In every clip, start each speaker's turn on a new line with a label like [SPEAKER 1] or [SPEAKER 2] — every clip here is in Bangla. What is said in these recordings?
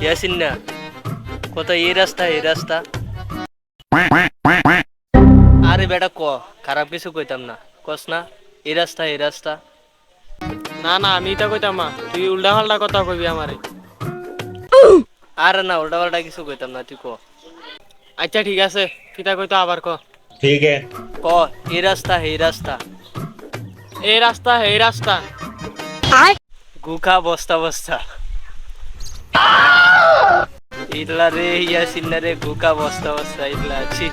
[SPEAKER 1] ইয়াসিন না কত এই রাস্তা আরে বেটা খারাপ কিছু কইতাম না কস না এই রাস্তা
[SPEAKER 2] না না আমি এটা কইতাম না, তুই উল্টা পাল্টা কথা কইবি আমারে।
[SPEAKER 1] আরে না উল্টা পাল্টা কিছু কইতাম না তুই
[SPEAKER 2] আচ্ছা ঠিক আছে, কিতা কইতো আবার ক।
[SPEAKER 3] ठीक है।
[SPEAKER 1] ক এই রাস্তা
[SPEAKER 2] এই রাস্তা
[SPEAKER 1] গুখা বস্তা বস্তা ইটলা রে ইয়াসিন না রে গুখা বস্তা বস্তা ইটলা আছি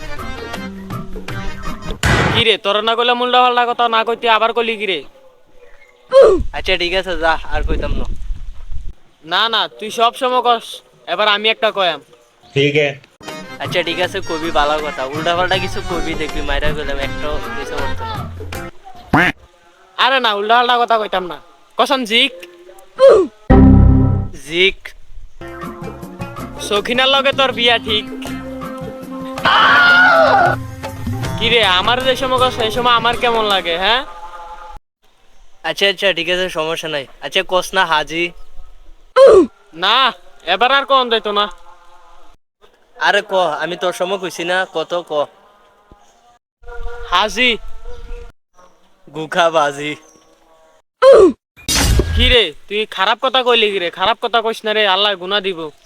[SPEAKER 2] কি রে, তোর না কইলে উল্টা পাল্টা কথা না কইতে আবার কইলি কি রে?
[SPEAKER 1] আচ্ছা ঠিক আছে যা আর কইতাম না
[SPEAKER 2] না না তুই সব সময় কস, এবার আমি একটা কয়াম।
[SPEAKER 3] ठीक है।
[SPEAKER 1] আচ্ছা ঠিক আছে কবি ভালো কথা উল্টা পাল্টা কিছু কবি দেখবি মাইরা গেলাম একটাও কিছু করতো না
[SPEAKER 2] আরে না উল্টা পাল্টা কথা কইতাম না, কসম জিক
[SPEAKER 1] জিক
[SPEAKER 2] সখিনার লগে তোর বিয়া ঠিক। কি রে, আমার যে সময় কস সেই সময় আমার কেমন লাগে? হ্যাঁ
[SPEAKER 1] আচ্ছা আচ্ছা ঠিক আছে সমস্যা নাই আচ্ছা কস না হাজি
[SPEAKER 2] না, এবার আর কোন যাইতো না।
[SPEAKER 1] আরে আমি তোর সময় কইছি না কত
[SPEAKER 2] হাজি
[SPEAKER 1] গুখা বাজি
[SPEAKER 2] কি রে, তুই খারাপ কথা কইলি কি রে? খারাপ কথা কইস না রে, আল্লাহ গুনাহ দিব।